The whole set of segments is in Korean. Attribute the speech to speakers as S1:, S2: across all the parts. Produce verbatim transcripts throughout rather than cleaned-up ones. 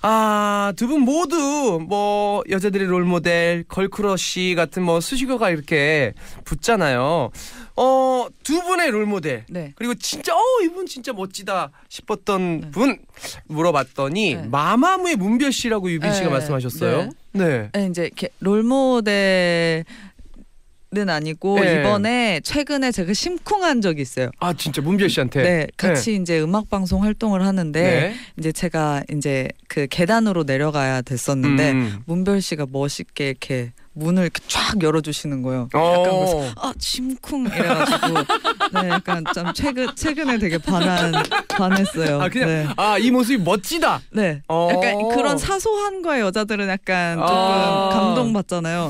S1: 아, 두 분 모두 뭐 여자들의 롤모델, 걸크러쉬 같은 뭐 수식어가 이렇게 붙잖아요. 어, 두 분의 롤모델.
S2: 네.
S1: 그리고 진짜 어 이분 진짜 멋지다 싶었던
S2: 네.
S1: 분 물어봤더니
S2: 네.
S1: 마마무의 문별 씨라고 유빈 씨가
S2: 네.
S1: 말씀하셨어요. 네.
S2: 네, 이제 이렇게 롤모델 는 아니고
S1: 네.
S2: 이번에 최근에 제가 심쿵한 적이 있어요.
S1: 아 진짜 문별 씨한테.
S2: 네, 같이 이제 음악 방송 활동을 하는데
S1: 네.
S2: 이제 제가 이제 그 계단으로 내려가야 됐었는데
S1: 음.
S2: 문별 씨가 멋있게 이렇게 문을 이렇게 쫙 열어주시는 거예요.
S1: 어.
S2: 약간 그래서 아 심쿵 이래가지고 네, 약간 좀 최근 최근에 되게 반한 반했어요.
S1: 아 그냥
S2: 네.
S1: 아 이 모습이 멋지다.
S2: 네,
S1: 어.
S2: 약간 그런 사소한 거에 여자들은 약간 조금
S1: 아.
S2: 감동받잖아요.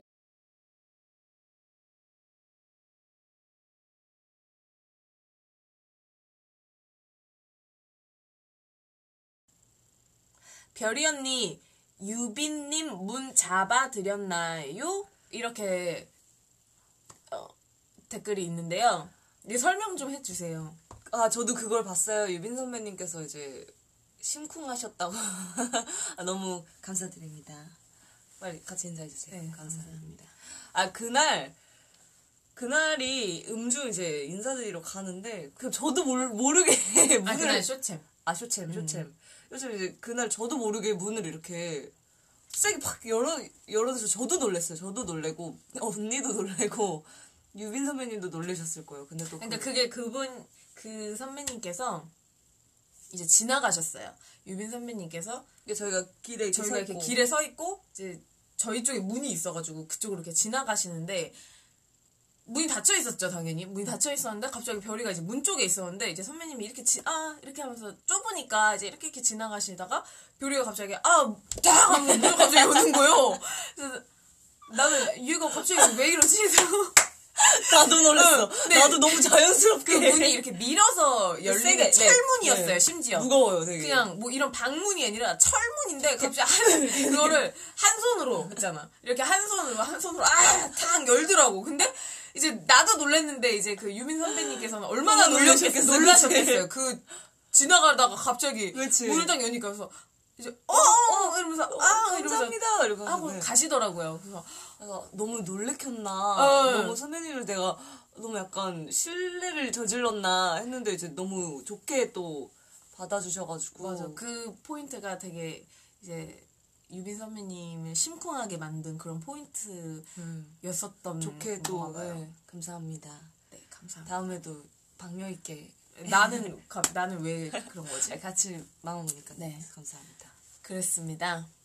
S3: 별이 언니, 유빈님 문 잡아드렸나요? 이렇게 어, 댓글이 있는데요. 네, 설명 좀 해주세요.
S4: 아, 저도 그걸 봤어요. 유빈 선배님께서 이제 심쿵하셨다고. 아, 너무 감사드립니다. 빨리 같이 인사해주세요.
S3: 네,
S4: 감사합니다. 아, 그날, 그날이 음주 이제 인사드리러 가는데, 그 저도 모르, 모르게 문을.
S3: 아, 그날 쇼챔.
S4: 아, 쇼챔, 쇼챔.
S3: 음.
S4: 요즘 이제 그날 저도 모르게 문을 이렇게 세게 팍 열어, 열어서 저도 놀랬어요. 저도 놀래고, 언니도 놀래고, 유빈 선배님도 놀라셨을 거예요. 근데 또.
S3: 그러니까
S4: 그...
S3: 그게 그분, 그 선배님께서 이제 지나가셨어요. 유빈 선배님께서.
S4: 이게 저희가 길에 이렇게
S3: 저희가
S4: 서
S3: 이렇게
S4: 있고.
S3: 길에 서 있고, 이제 저희 쪽에 문이 있어가지고 그쪽으로 이렇게 지나가시는데, 문이 닫혀 있었죠, 당연히. 문이 닫혀 있었는데, 갑자기 별이가 이제 문 쪽에 있었는데, 이제 선배님이 이렇게 지, 아, 이렇게 하면서 좁으니까 이제 이렇게 이렇게 지나가시다가, 별이가 갑자기, 아, 딱! 하면서 문을 갑자기 여는 거예요. 그래서 나는 얘가 갑자기 왜 이러지?
S4: 나도 놀랐어.
S3: 네.
S4: 나도 너무 자연스럽게.
S3: 그 문이 이렇게 밀어서 열리는
S4: 세게,
S3: 철문이었어요,
S4: 네.
S3: 심지어.
S4: 무거워요, 되게.
S3: 그냥 뭐 이런 방문이 아니라 철문인데 갑자기 한, 그거를 한 손으로 했잖아. 이렇게 한 손으로, 한 손으로, 아! 탁 열더라고. 근데 이제 나도 놀랬는데 이제 그 유민 선배님께서는 얼마나 놀라셨겠어요. 놀라셨겠어요. 그 지나가다가 갑자기
S4: 그치.
S3: 문을 딱 여니까 그래서 이제 어, 어, 이러면서
S4: 어,
S3: 아,
S4: 감사합니다. 이러면서
S3: 하고
S4: 네.
S3: 가시더라고요. 그래서
S4: 그래서 너무 놀래켰나.
S3: 어.
S4: 너무 선배님을 내가 너무 약간 신뢰를 저질렀나 했는데 이제 너무 좋게 또 받아주셔가지고.
S3: 맞아. 그 포인트가 되게 이제 유빈 선배님을 심쿵하게 만든 그런 포인트였었던
S4: 음. 좋게 또
S3: 봐요.
S4: 네, 감사합니다.
S3: 네, 감사합니다.
S4: 다음에도 박력 있게
S3: 나는 가, 나는 왜 그런 거지?
S4: 같이 마음 오니까
S3: 네.
S4: 감사합니다.
S3: 그랬습니다.